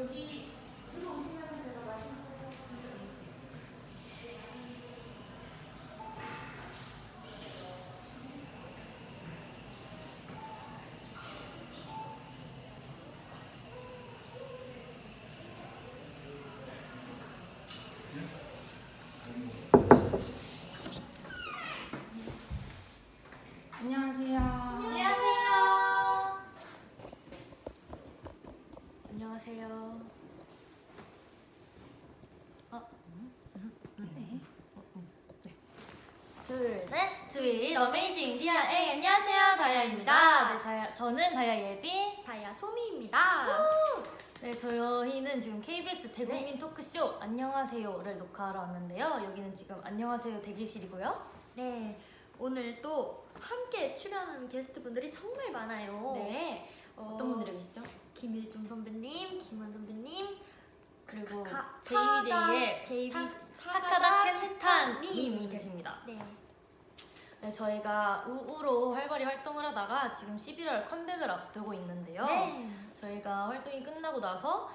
여기 들어오시면 제가 맛있는 거 안녕하세요. 안녕하세요. 안녕하세요. 네. 둘, 셋. 트윗 어메이징 디아의 안녕하세요. 다이아입니다. 네, 저는 다이아 예빈. 다이아 소미입니다. 네, 저희는 지금 KBS 대국민 토크쇼 안녕하세요를 녹화하러 왔는데요. 여기는 지금 안녕하세요 대기실이고요. 네, 오늘 또 함께 출연하는 게스트분들이 정말 많아요. 네. 어떤 분들이 계시죠? 김일중 선배님, 김원 선배님, 그리고 타다, JJ의 타카다 타카다 켄타님이 켄타님이 계십니다. 네. 네, 저희가 우우로 활발히 활동을 하다가 지금 11월 컴백을 앞두고 있는데요. 네. 저희가 활동이 끝나고 나서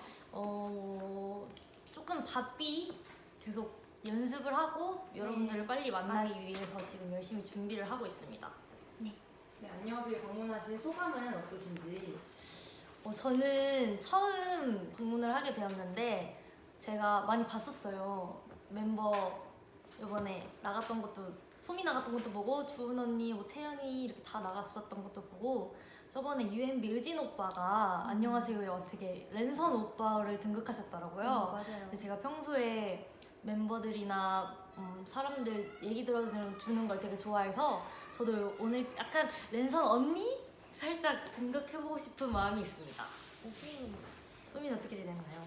조금 바삐 계속 연습을 하고 여러분들을 빨리 만나기 위해서 지금 열심히 준비를 하고 있습니다. 네, 안녕하세요. 방문하신 소감은 어떠신지? 저는 처음 방문을 하게 되었는데 제가 많이 봤었어요. 멤버 이번에 나갔던 것도 소미 나갔던 것도 보고 주은 언니, 뭐 채연이 이렇게 다 나갔었던 것도 보고 저번에 UMB 의진 오빠가 안녕하세요에 와서 되게 랜선 오빠를 등극하셨더라고요. 맞아요. 근데 제가 평소에 멤버들이나 사람들 얘기 들어주는 걸 되게 좋아해서 저도 오늘 약간 랜선 언니? 살짝 등극해보고 싶은 마음이 있습니다. 소민은 어떻게 지냈나요?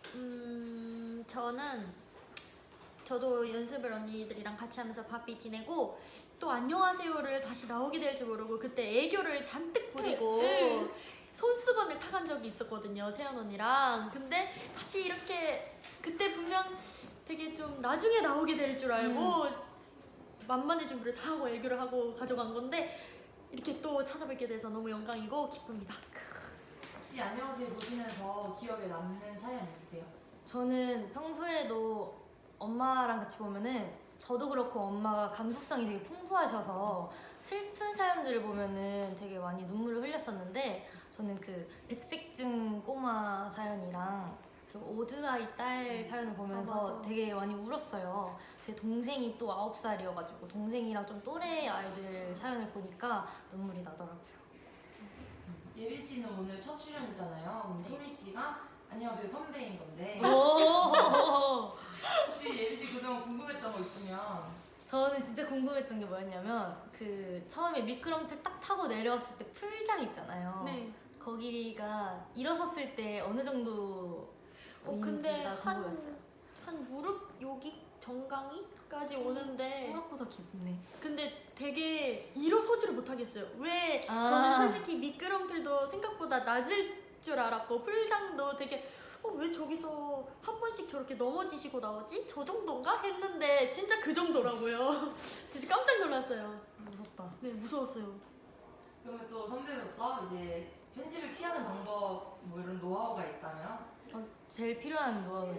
저도 연습을 언니들이랑 같이 하면서 바삐 지내고 또 안녕하세요를 다시 나오게 될 줄 모르고 그때 애교를 잔뜩 부리고 네. 손수건을 타간 적이 있었거든요, 채연 언니랑. 근데 다시 이렇게 그때 분명 되게 좀 나중에 나오게 될 줄 알고 만만의 준비를 다 하고 애교를 하고 가져간 건데 이렇게 또 찾아뵙게 돼서 너무 영광이고 기쁩니다. 혹시 안녕하세요 보시면서 기억에 남는 사연 있으세요? 저는 평소에도 엄마랑 같이 보면은 저도 그렇고 엄마가 감수성이 되게 풍부하셔서 슬픈 사연들을 보면은 되게 많이 눈물을 흘렸었는데 저는 그 백색증 꼬마 사연이랑 그리고 오드아이 딸 사연을 보면서 맞아. 되게 많이 울었어요. 제 동생이 또 9살이어가지고 동생이랑 좀 또래 아이들 사연을 보니까 눈물이 나더라고요. 예빈 씨는 오늘 첫 출연이잖아요. 그럼 소미 씨가 안녕하세요 선배인 건데 오! 혹시 예빈 씨 그동안 궁금했던 거 있으면 저는 진짜 궁금했던 게 뭐였냐면 그 처음에 미끄럼틀 딱 타고 내려왔을 때 풀장 있잖아요. 네. 거기가 일어섰을 때 어느 정도 근데 인지가 궁금했어요. 한 무릎 여기 정강이까지 오는데 생각보다 깊네. 근데 되게 일어서지를 못하겠어요. 왜 아. 저는 솔직히 미끄럼틀도 생각보다 낮을 줄 알았고 풀장도 되게 왜 저기서 한 번씩 저렇게 넘어지시고 나오지? 저 정도인가? 했는데 진짜 그 정도라고요. 진짜 깜짝 놀랐어요. 무섭다. 네, 무서웠어요. 그러면 또 선배로서 이제 편집을 피하는 방법 뭐 이런 노하우가 있다면? 제일 필요한 노하우는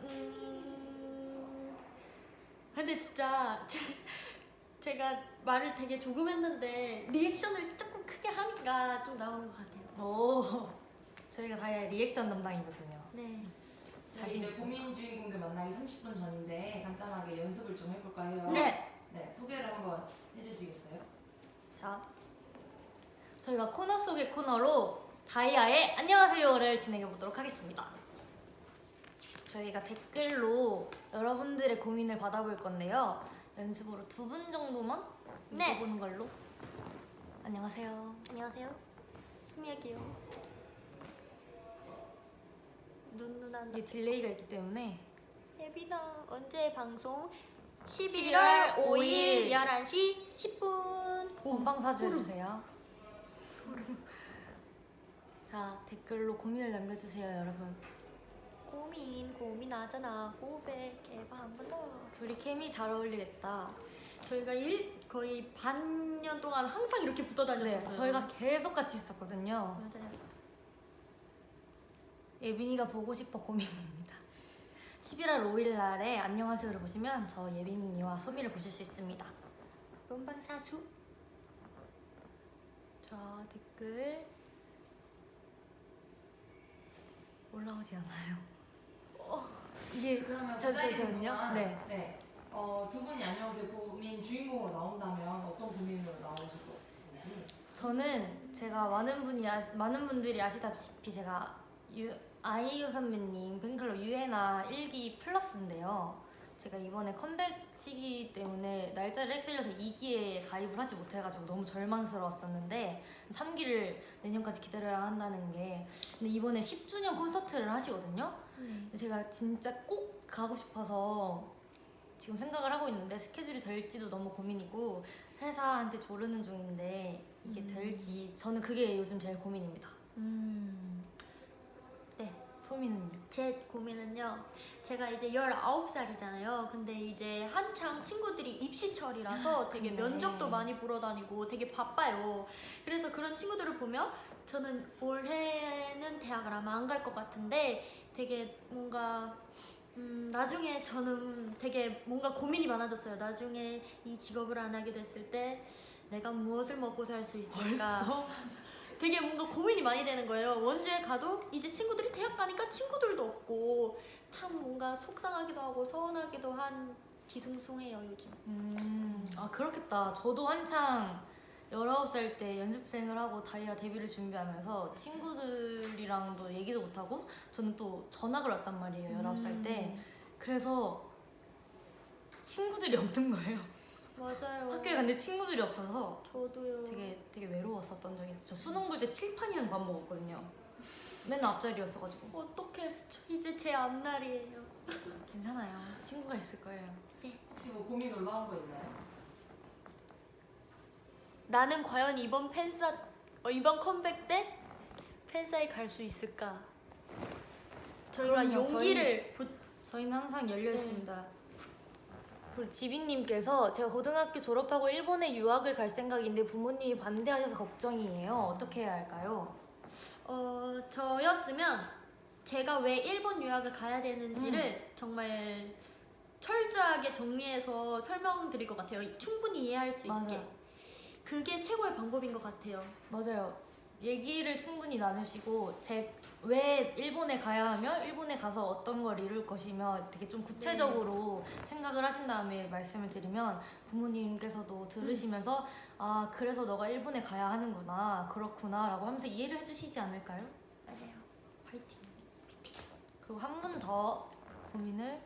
근데 진짜 제가 말을 되게 조금 했는데 리액션을 조금 크게 하니까 좀 나오는 것 같아요. 오, 저희가 다이아 리액션 담당이거든요. 네. 자신 이제 있습니다. 고민 주인공들 만나기 30분 전인데 간단하게 연습을 좀 해볼까 해요. 네. 네, 소개를 한번 해주시겠어요? 자, 저희가 코너 속의 코너로 다이아의 안녕하세요를 진행해 보도록 하겠습니다. 저희가 댓글로 여러분들의 고민을 받아볼 건데요. 연습으로 2분 정도만 네. 읽어보는 걸로. 안녕하세요. 안녕하세요. 수미야기요. 눈누난 이게 딜레이가 있기 때문에 예비당 언제 방송? 11월 11월 5일 11시 10분. 본방 사주해주세요. 자, 댓글로 고민을 남겨주세요, 여러분. 고민하잖아. 고백해봐 한번 더. 둘이 케미 잘 어울리겠다. 저희가 거의 반년 동안 항상 이렇게 붙어 네, 다녔었어요. 저희가 계속 같이 있었거든요. 맞아요. 예빈이가 보고 싶어 고민입니다. 11월 5일 날에 안녕하세요를 보시면 저 예빈이와 소미를 보실 수 있습니다. 본방사수. 자, 댓글 올라오지 않아요. 이게 그러면 잠시만요. 네. 네. 두 분이 안녕하세요 고민 주인공으로 나온다면 어떤 고민으로 나오실 것인지. 저는 제가 많은 분들이 아시다시피 제가 아이유 선배님 팬클럽 유해나 1기 플러스인데요. 제가 이번에 컴백 시기 때문에 날짜를 헷갈려서 2기에 가입을 하지 못해가지고 너무 절망스러웠었는데 3기를 내년까지 기다려야 한다는 게, 근데 이번에 10주년 콘서트를 하시거든요. 근데 제가 진짜 꼭 가고 싶어서 지금 생각을 하고 있는데 스케줄이 될지도 너무 고민이고 회사한테 조르는 중인데 이게 될지, 저는 그게 요즘 제일 고민입니다. 네. 소민은요? 제 고민은요, 제가 이제 19살이잖아요. 근데 이제 한창 친구들이 입시철이라서 되게 그러네. 면접도 많이 보러 다니고 되게 바빠요. 그래서 그런 친구들을 보면 저는 올해는 대학을 아마 안 갈 것 같은데 되게 뭔가 나중에 저는 되게 뭔가 고민이 많아졌어요. 나중에 이 직업을 안 하게 됐을 때 내가 무엇을 먹고 살 수 있을까? 되게 뭔가 고민이 많이 되는 거예요. 원주에 가도 이제 친구들이 대학 가니까 친구들도 없고 참 뭔가 속상하기도 하고 서운하기도 한 뒤숭숭해요 요즘. 아 그렇겠다. 저도 한창 19살 때 연습생을 하고 다이아 데뷔를 준비하면서 친구들이랑도 얘기도 못하고 저는 또 전학을 왔단 말이에요. 19살 때. 그래서 친구들이 없는 거예요. 맞아요. 학교에 갔는데 친구들이 없어서 저도요. 되게 외로웠었던 적이 있어요. 저 수능 볼 때 칠판이랑 밥 먹었거든요. 맨날 앞자리였어가지고. 어떡해. 저 이제 제 앞날이에요. 괜찮아요. 친구가 있을 거예요. 혹시 뭐 고민 올라온 거 있나요? 나는 과연 이번 이번 컴백 때 팬사에 갈 수 있을까? 저희가 그럼요. 용기를 저희는 항상 열려 있습니다. 그리고 지빈님께서 제가 고등학교 졸업하고 일본에 유학을 갈 생각인데 부모님이 반대하셔서 걱정이에요. 어떻게 해야 할까요? 저였으면 제가 왜 일본 유학을 가야 되는지를 정말 철저하게 정리해서 설명드릴 것 같아요. 충분히 이해할 수 있게. 맞아요. 그게 최고의 방법인 것 같아요. 맞아요. 얘기를 충분히 나누시고 왜 일본에 가야 하며 일본에 가서 어떤 걸 이룰 것이며 되게 좀 구체적으로 생각을 하신 다음에 말씀을 드리면 부모님께서도 들으시면서 아 그래서 너가 일본에 가야 하는구나 그렇구나 라고 하면서 이해를 해주시지 않을까요? 맞아요. 화이팅. 그리고 한 분 더 고민을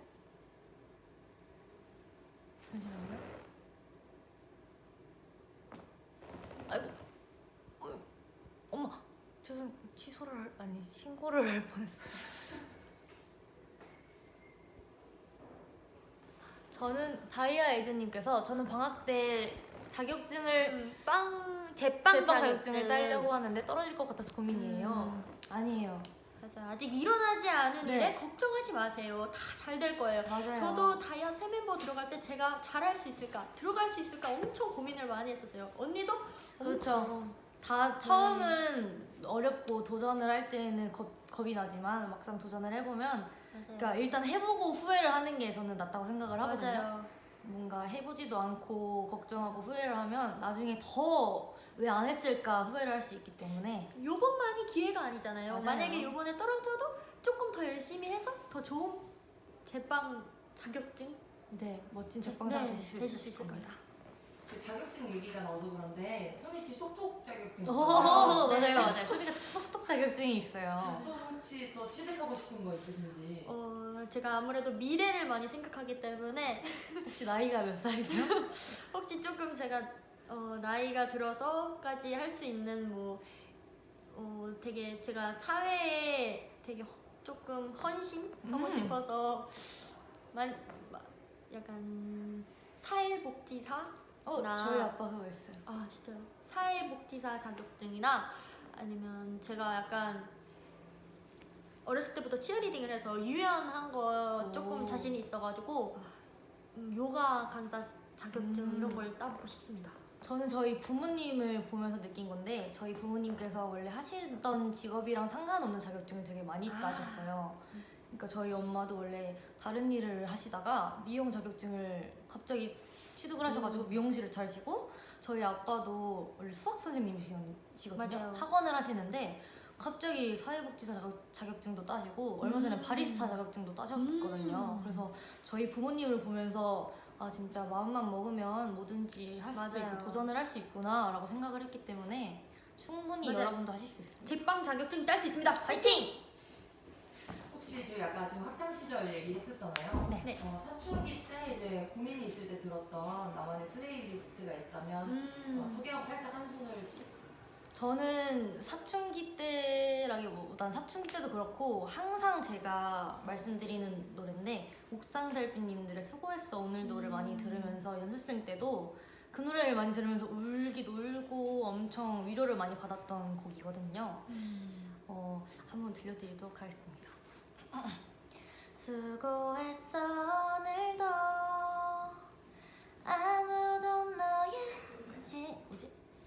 잠시만요. 아이고 엄마 신고를 할 뻔했어. 저는 다이아 에이드님께서 저는 방학 때 자격증을 제빵 자격증을 따려고 하는데 떨어질 것 같아서 고민이에요. 아니에요. 맞아. 아직 일어나지 않은 네. 일에 걱정하지 마세요. 다 잘 될 거예요. 맞아요. 저도 다이아 새 멤버 들어갈 때 제가 잘할 수 있을까, 들어갈 수 있을까 엄청 고민을 많이 했었어요. 언니도? 그렇죠. 다 처음은 어렵고 도전을 할 때는 겁이 나지만 막상 도전을 해보면 맞아요. 그러니까 일단 해보고 후회를 하는 게 저는 낫다고 생각을 하거든요. 맞아요. 뭔가 해보지도 않고 걱정하고 후회를 하면 나중에 더 왜 안 했을까 후회를 할 수 있기 때문에. 요번만이 기회가 아니잖아요. 맞아요. 만약에 요번에 떨어져도 조금 더 열심히 해서 더 좋은 제빵 자격증 네, 멋진 제빵사가 되실 되실 수 수 있을 있습니다. 그 자격증 얘기가 나와서 그런데 소미 씨 속독 자격증 오, 있잖아요. 맞아요. 소비가 속독 자격증이 있어요. 또 혹시 또 취득하고 싶은 거 있으신지? 제가 아무래도 미래를 많이 생각하기 때문에 혹시 나이가 몇 살이세요? 혹시 조금 제가 나이가 들어서까지 할 수 있는 되게 제가 사회에 되게 조금 헌신하고 싶어서 약간 사회복지사 저희 아빠 그거 있어요. 아 진짜요? 사회복지사 자격증이나 아니면 제가 약간 어렸을 때부터 치어리딩을 해서 유연한 거 조금 오. 자신이 있어가지고 요가 강사 자격증 음. 이런 걸 따보고 싶습니다. 저는 저희 부모님을 보면서 느낀 건데 저희 부모님께서 원래 하시던 직업이랑 상관없는 자격증을 되게 많이 따셨어요. 그러니까 저희 엄마도 원래 다른 일을 하시다가 미용 자격증을 갑자기 취득을 하셔가지고 미용실을 차리시고 저희 아빠도 원래 수학 선생님이시거든요. 맞아요. 학원을 하시는데 갑자기 사회복지사 자격증도 따시고 얼마 전에 바리스타 자격증도 따셨거든요. 그래서 저희 부모님을 보면서 아 진짜 마음만 먹으면 뭐든지 할 수 맞아요. 있고 도전을 할 수 있구나 라고 생각을 했기 때문에 충분히 맞아요. 여러분도 하실 수 있습니다. 제빵 자격증 딸 수 있습니다. 파이팅! 혹시 저 약간 지금 학창 시절 얘기했었잖아요. 네. 사춘기 때 이제 고민이 있을 때 들었던 나만의 플레이리스트가 있다면 소개하고 살짝 한 손을. 저는 사춘기 때라기보단 사춘기 때도 그렇고 항상 제가 말씀드리는 노래인데 옥상달빛님들의 수고했어 오늘도를 많이 들으면서 연습생 때도 그 노래를 많이 들으면서 울기도 울고 엄청 위로를 많이 받았던 곡이거든요. 한번 들려드리도록 하겠습니다. 수고했어 오늘도 아무도 너의 뭐지?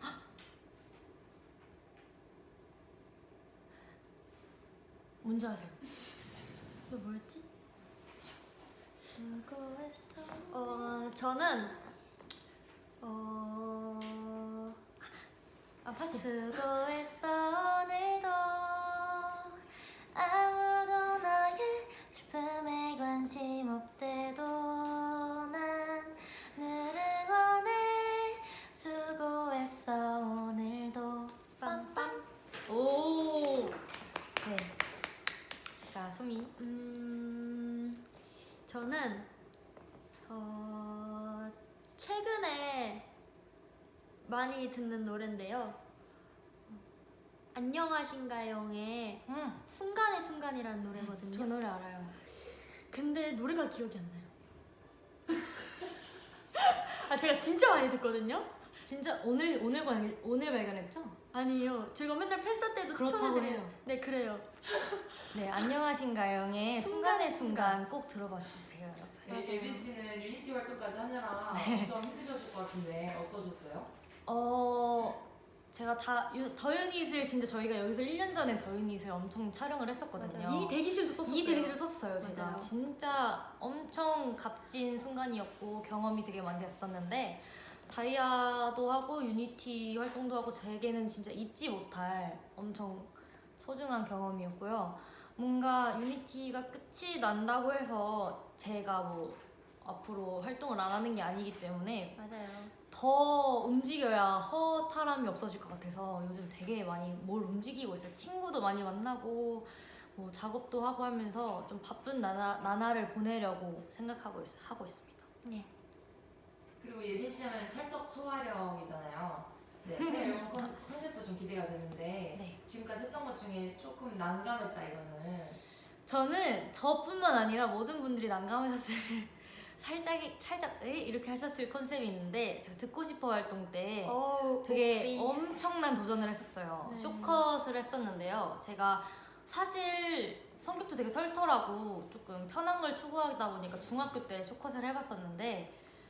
뭔지 아세요? 너 뭐였지? 수고했어. 저는 하세요. 수고했어 오늘도 아무도 너의 슬픔에 관심 없대도 난 늘 응원해 수고했어 오늘도 빰빰. 오. 네. 자 소미. 저는 최근에 많이 듣는 노래인데요. 안녕하신가요의 순간의 순간이라는 노래거든요. 저 노래 알아요. 근데 노래가 기억이 안 나요. 아 제가 진짜 많이 듣거든요. 진짜 오늘 발견했죠? 아니에요. 제가 맨날 팬사 때도 그렇다고 추천해드려요. 해요. 네 그래요. 네 안녕하신가요의 순간의 순간의 순간 꼭 들어봐 주세요 여러분. 맞아요. 예빈 씨는 유니티 활동까지 하느라 네. 엄청 힘드셨을 것 같은데 어떠셨어요? 제가 더 유닛을 진짜 저희가 여기서 1년 전에 더 유닛을 엄청 촬영을 했었거든요. 이 대기실도 썼었어요. 이 대기실을 썼어요 제가. 맞아요. 진짜 엄청 값진 순간이었고 경험이 되게 많이 됐었는데 다이아도 하고 유니티 활동도 하고 제게는 진짜 잊지 못할 엄청 소중한 경험이었고요. 뭔가 유니티가 끝이 난다고 해서 제가 뭐 앞으로 활동을 안 하는 게 아니기 때문에 맞아요. 더 움직여야 허탈함이 없어질 것 같아서 요즘 되게 많이 뭘 움직이고 있어요. 친구도 많이 만나고 뭐 작업도 하고 하면서 좀 바쁜 나날을 보내려고 하고 있습니다. 네. 그리고 예빈 씨 하면 찰떡 소화령이잖아요. 네, 새 앨범 컨셉도 좀 기대가 되는데 네. 지금까지 했던 것 중에 조금 난감했다 이거는. 저는 저뿐만 아니라 모든 분들이 난감하셨을 살짝 이렇게 하셨을 컨셉이 있는데 제가 듣고 싶어 활동 때 되게 엄청난 도전을 했었어요. 네. 쇼컷을 했었는데요. 제가 사실 성격도 되게 털털하고 조금 편한 걸 추구하다 보니까 중학교 때 쇼컷을 해봤었는데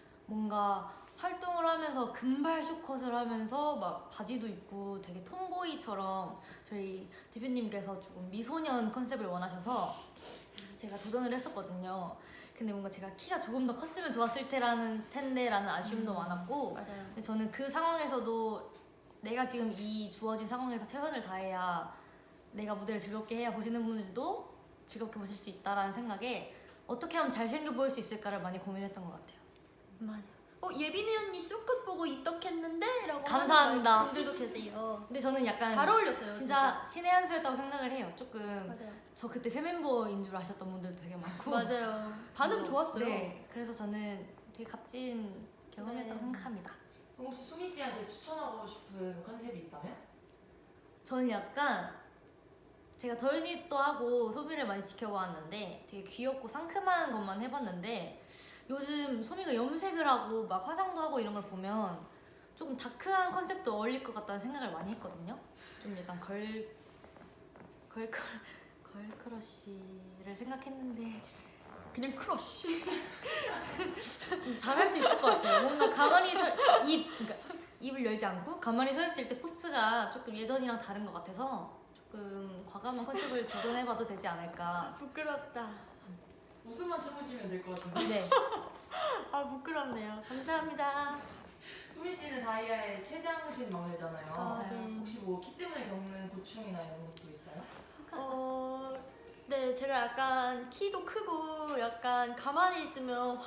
뭔가 활동을 하면서 금발 쇼컷을 하면서 막 바지도 입고 되게 톰보이처럼 저희 대표님께서 조금 미소년 컨셉을 원하셔서 제가 도전을 했었거든요. 근데 뭔가 제가 키가 조금 더 컸으면 좋았을 텐데라는 아쉬움도 많았고 맞아요. 근데 저는 그 상황에서도 내가 지금 이 주어진 상황에서 최선을 다해야 내가 무대를 즐겁게 해야 보시는 분들도 즐겁게 보실 수 있다라는 생각에 어떻게 하면 잘생겨 보일 수 있을까를 많이 고민했던 것 같아요. 맞아요. 예빈이 언니 쇼컷 보고 입덕했는데? 라고 감사합니다. 하는 분들도 계세요. 근데 저는 약간 잘 어울렸어요. 진짜 신의 한 수였다고 생각을 해요. 조금 맞아요. 저 그때 새 멤버인 줄 아셨던 분들도 되게 많고 맞아요. 반응 좋았어요. 네, 그래서 저는 되게 값진 경험이었다고 네. 생각합니다. 그럼 혹시 수미 씨한테 추천하고 싶은 컨셉이 있다면? 저는 약간 제가 더 유닛도 하고 소미를 많이 지켜보았는데 되게 귀엽고 상큼한 것만 해봤는데 요즘 소미가 염색을 하고 막 화장도 하고 이런 걸 보면 조금 다크한 컨셉도 어울릴 것 같다는 생각을 많이 했거든요. 좀 약간 걸크러쉬를 생각했는데 그냥 크러쉬. 잘할 수 있을 것 같아요. 뭔가 가만히 그러니까 입을 열지 않고 가만히 서 있을 때 포스가 조금 예전이랑 다른 것 같아서 조금 과감한 컨셉을 도전해봐도 되지 않을까. 부끄럽다. 웃음만 참으시면 될 것 같은데. 네. 아 부끄럽네요. 감사합니다. 수민 씨는 다이아의 최장신 막내잖아요. 맞아요. 네. 혹시 뭐 키 때문에 겪는 고충이나 이런 것도 있어요? 네, 제가 약간 키도 크고 약간 가만히 있으면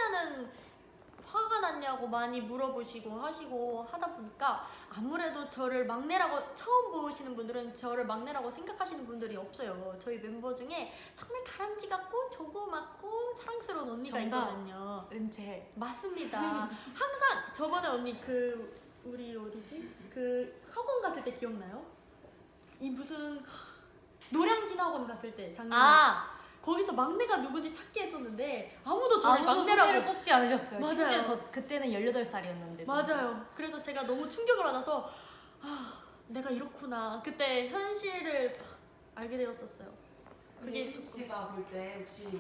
화가 났냐고 많이 물어보시고 하시고 하다 보니까 아무래도 저를 막내라고 처음 보시는 분들은 저를 막내라고 생각하시는 분들이 없어요. 저희 멤버 중에 정말 다람쥐 같고 조그맣고 사랑스러운 언니가 정답. 있거든요. 은채. 맞습니다. 항상 저번에 언니 우리 어디지? 학원 갔을 때 기억나요? 이 무슨 노량진 학원 갔을 때 작년에 거기서 막내가 누군지 찾기 했었는데 아무도 저를 아무도 막내라고 소개를 뽑지 않으셨어요. 맞아요. 심지어 저 그때는 18살이었는데. 맞아요. 그래서 제가 너무 충격을 받아서 내가 이렇구나. 그때 현실을 알게 되었었어요. 그게 예빈 씨가 볼 때 혹시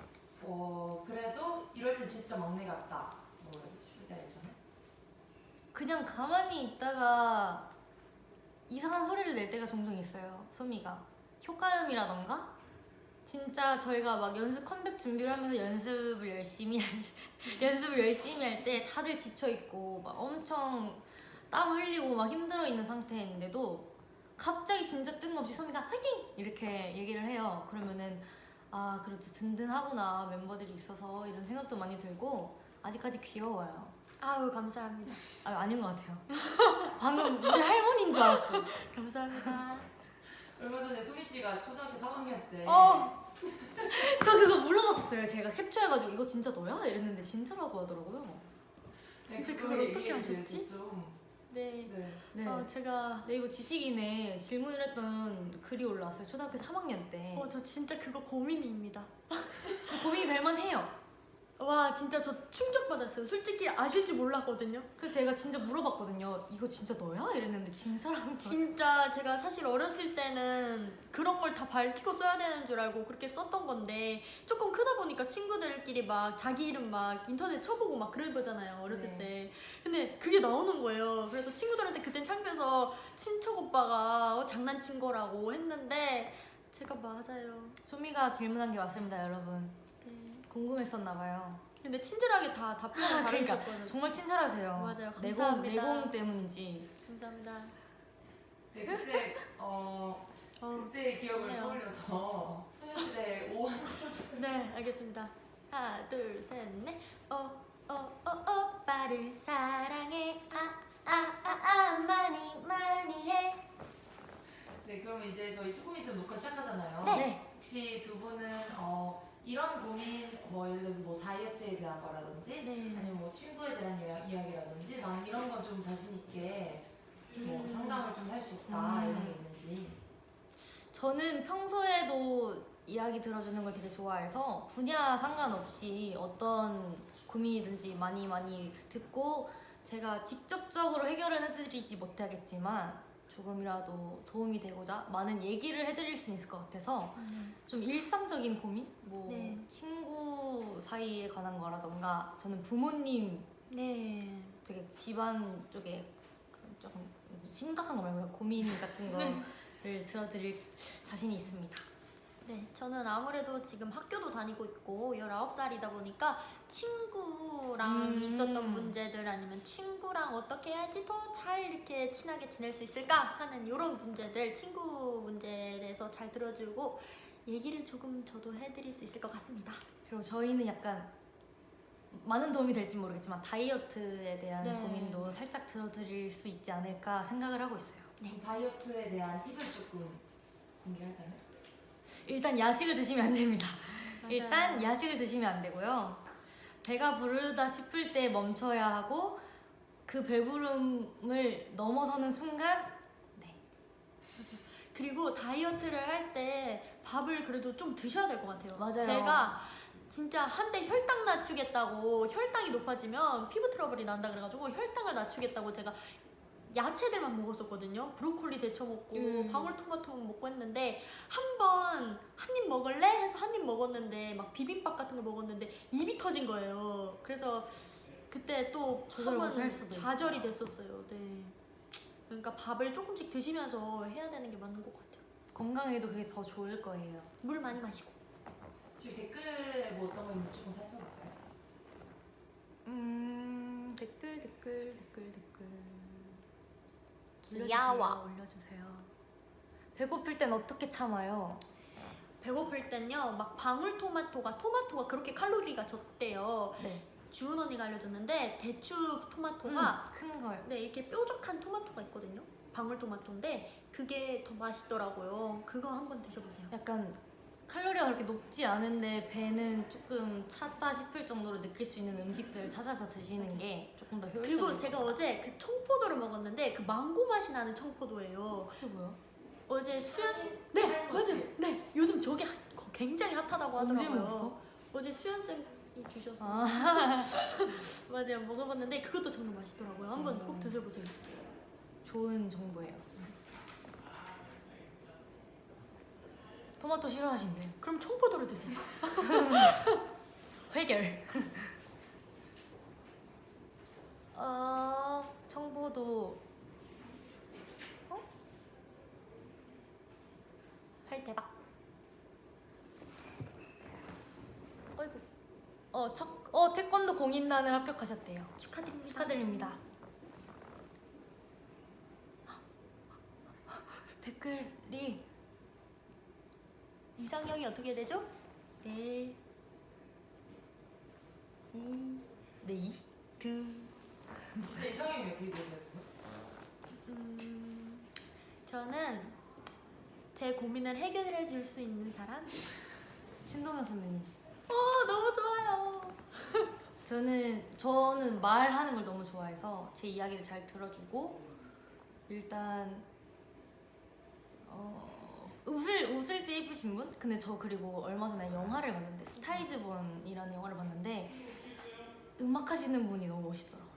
그래도 이럴 때 진짜 막내 같다. 뭐 싶을 때가 있잖아요. 그냥 가만히 있다가 이상한 소리를 낼 때가 종종 있어요. 소미가 효과음이라던가 진짜 저희가 막 연습 컴백 준비를 하면서 연습을 열심히 할 때 다들 지쳐 있고 막 엄청 땀 흘리고 막 힘들어 있는 상태인데도 갑자기 진짜 뜬금없이 소미가 화이팅 이렇게 얘기를 해요. 그러면은 아 그래도 든든하구나 멤버들이 있어서 이런 생각도 많이 들고 아직까지 귀여워요. 아유 감사합니다. 아닌 것 같아요. 방금 우리 할머니인 줄 알았어. 감사합니다. 얼마 전에 수민 씨가 초등학교 3학년 때 저 그거 물어봤었어요. 제가 캡처해가지고 이거 진짜 너야? 이랬는데 진짜라고 하더라고요. 진짜 네, 그걸 그거 어떻게 얘기해 하셨지? 주세요, 좀. 네. 네. 제가 네 이거 지식인에 질문을 했던 글이 올라왔어요. 초등학교 3학년 때. 저 진짜 그거 고민입니다. 고민이 될 만해요. 와 진짜 저 충격받았어요. 솔직히 아실 줄 몰랐거든요. 그래서 제가 진짜 물어봤거든요. 이거 진짜 너야? 이랬는데 진짜라는 거예요. 진짜 제가 사실 어렸을 때는 그런 걸 다 밝히고 써야 되는 줄 알고 그렇게 썼던 건데 조금 크다 보니까 친구들끼리 막 자기 이름 막 인터넷 쳐보고 막 그러잖아요 어렸을 네. 때. 근데 그게 나오는 거예요. 그래서 친구들한테 그땐 창피해서 친척 오빠가 장난친 거라고 했는데 제가 맞아요. 소미가 질문한 게 맞습니다, 여러분. 네. 궁금했었나 봐요. 근데 친절하게 다 답변을 그러니까 잘해줬거든요. 정말 친절하세요. 맞아요. 감사합니다. 내공 때문인지. 감사합니다. 네, 그때 그때의 기억을 좋네요. 떠올려서 소녀시대 오한 네, 알겠습니다. 하나, 둘, 셋, 넷. 오빠를 사랑해. 많이 해. 네, 그럼 이제 저희 조금 있으면 녹화 시작하잖아요. 네. 혹시 두 분은 이런 고민, 뭐 예를 들어서 뭐 다이어트에 대한 거라든지, 네. 아니면 뭐 친구에 대한 이야기라든지, 나는 이런 건 좀 자신 있게 뭐 상담을 좀 할 수 있다 이런 게 있는지. 저는 평소에도 이야기 들어주는 걸 되게 좋아해서 분야 상관없이 어떤 고민이든지 많이 듣고 제가 직접적으로 해결은 해드리지 못하겠지만 조금이라도 도움이 되고자 많은 얘기를 해드릴 수 있을 것 같아서 좀 일상적인 고민? 뭐 네. 친구 사이에 관한 거라던가 저는 부모님 네. 되게 집안 쪽에 조금 심각한 거 말고 고민 같은 거를 들어드릴 자신이 있습니다. 네, 저는 아무래도 지금 학교도 다니고 있고 19살이다 보니까 친구랑 있었던 문제들 아니면 친구랑 어떻게 해야지 더 잘 이렇게 친하게 지낼 수 있을까 하는 이런 문제들, 친구 문제에 대해서 잘 들어주고 얘기를 조금 저도 해드릴 수 있을 것 같습니다. 그리고 저희는 약간 많은 도움이 될지 모르겠지만 다이어트에 대한 네. 고민도 살짝 들어드릴 수 있지 않을까 생각을 하고 있어요. 그럼 다이어트에 대한 팁을 조금 공개하자면? 일단 야식을 드시면 안 됩니다. 맞아요. 일단 야식을 드시면 안 되고요. 배가 부르다 싶을 때 멈춰야 하고 그 배부름을 넘어서는 순간 그리고 다이어트를 할 때 밥을 그래도 좀 드셔야 될 것 같아요. 맞아요. 제가 진짜 한때 혈당 낮추겠다고, 혈당이 높아지면 피부 트러블이 난다 그래가지고 혈당을 낮추겠다고 제가 야채들만 먹었었거든요. 브로콜리 데쳐 먹고 방울토마토 먹고 했는데 한 입 먹을래? 해서 한 입 먹었는데 막 비빔밥 같은 걸 먹었는데 입이 터진 거예요. 그래서 그때 또 조절 한번 못할 수도 좌절이 있어요. 됐었어요. 네. 그러니까 밥을 조금씩 드시면서 해야 되는 게 맞는 것 같아요. 건강에도 그게 더 좋을 거예요. 물 많이 마시고. 저희 댓글에 뭐 어떤 거 있는지 조금 살펴볼까요? 댓글. 귀여워. 올려주세요. 배고플 땐 어떻게 참아요? 배고플 땐요, 막 방울토마토가 그렇게 칼로리가 적대요. 네. 주은 언니가 알려줬는데 대추 토마토가 큰 거요. 네, 이렇게 뾰족한 토마토가 있거든요. 방울토마토인데 그게 더 맛있더라고요. 그거 한번 드셔보세요. 약간 칼로리가 그렇게 높지 않은데 배는 조금 찼다 싶을 정도로 느낄 수 있는 음식들을 찾아서 드시는 게 조금 더 효율적이에요. 그리고 제가 어제 그 청포도를 먹었는데 그 망고 맛이 나는 청포도예요. 그게 뭐야? 어제 수연 네, 맞아요. 네, 요즘 저게 굉장히 핫하다고 하더라고요. 언제 먹었어? 어제 수연 쌤이 주셔서 아, 맞아요, 먹어봤는데 그것도 정말 맛있더라고요. 한번 꼭 드셔보세요. 좋은 정보예요. 토마토 싫어하신대요. 그럼 청포도를 드세요. 해결. 청포도 할 대박. 어이구, 태권도 공인단을 합격하셨대요. 축하드립니다. 축하드립니다. 댓글이 이상형이 어떻게 되죠? 네. 네. 진짜 이상형이 어떻게 되세요? 저는 제 고민을 해결해 줄 수 있는 사람? 신동엽 선배님. 너무 좋아요. 저는 말하는 걸 너무 좋아해서 제 이야기를 잘 들어주고 일단 웃을 때 예쁘신 분? 근데 저 그리고 얼마 전에 영화를 봤는데 스타이즈본이라는 영화를 봤는데 음악 하시는 분이 너무 멋있더라고요.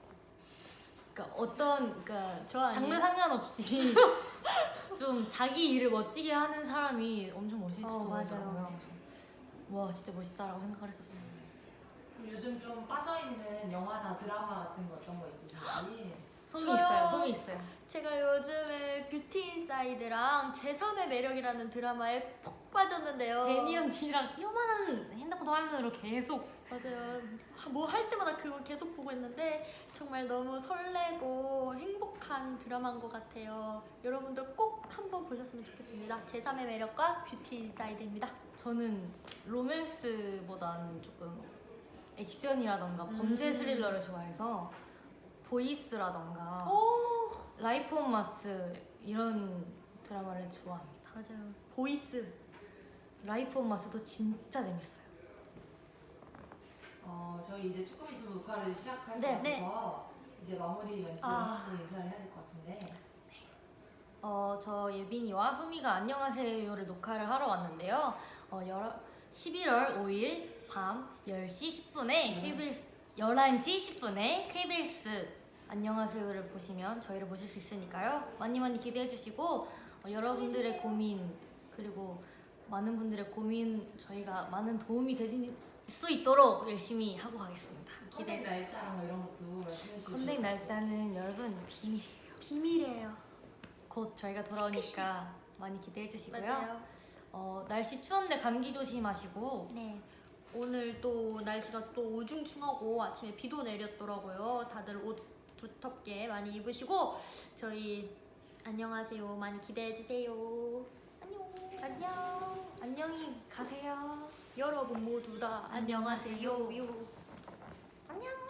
그러니까 저 아니에요? 장르 상관없이 좀 자기 일을 멋지게 하는 사람이 엄청 멋있어 맞아요. 보이더라고요. 그래서 와 진짜 멋있다라고 생각을 했었어요. 그럼 요즘 좀 빠져있는 영화나 드라마 같은 거 어떤 거 있으신지? 솜이 저요. 있어요. 솜이 있어요. 제가 요즘에 뷰티 인사이드랑 제3의 매력이라는 드라마에 푹 빠졌는데요. 제니 언니랑 요만한 핸드폰 화면으로 계속 맞아요. 뭐 할 때마다 그걸 계속 보고 있는데 정말 너무 설레고 행복한 드라마인 것 같아요. 여러분들 꼭 한번 보셨으면 좋겠습니다. 제3의 매력과 뷰티 인사이드입니다. 저는 로맨스보다는 조금 액션이라던가 범죄 스릴러를 좋아해서 보이스라던가 라이프 온 마스 이런 드라마를 좋아합니다. 맞아요. 보이스. 라이프 온 마스도 진짜 재밌어요. 저희 이제 조금 있으면 녹화를 시작할 네, 것 같아서 이제 마무리 멘트 하고 인사를 해야 될 것 같은데. 저 예빈이와 소미가 안녕하세요를 녹화를 하러 왔는데요. 11월 5일 밤 10시 10분에 KBS 11시 10분에 KBS 안녕하세요를 보시면 저희를 보실 수 있으니까요. 많이 많이 기대해 주시고 여러분들의 고민 그리고 많은 분들의 고민 저희가 많은 도움이 되실 수 있도록 열심히 하고 가겠습니다. 기대해 컴백 주세요. 날짜랑 뭐 이런 것도 말씀해 주시면 컴백 좋을 것 같아요. 날짜는 여러분 비밀이에요. 비밀이에요. 곧 저희가 돌아오니까 많이 기대해 주시고요. 맞아요. 날씨 추운데 감기 조심하시고 네. 오늘 또 날씨가 또 우중충하고 아침에 비도 내렸더라고요. 다들 옷 두텁게 많이 입으시고 저희 안녕하세요 많이 기대해 주세요. 안녕. 안녕히 가세요. 여러분 모두 다 안녕하세요. 안녕.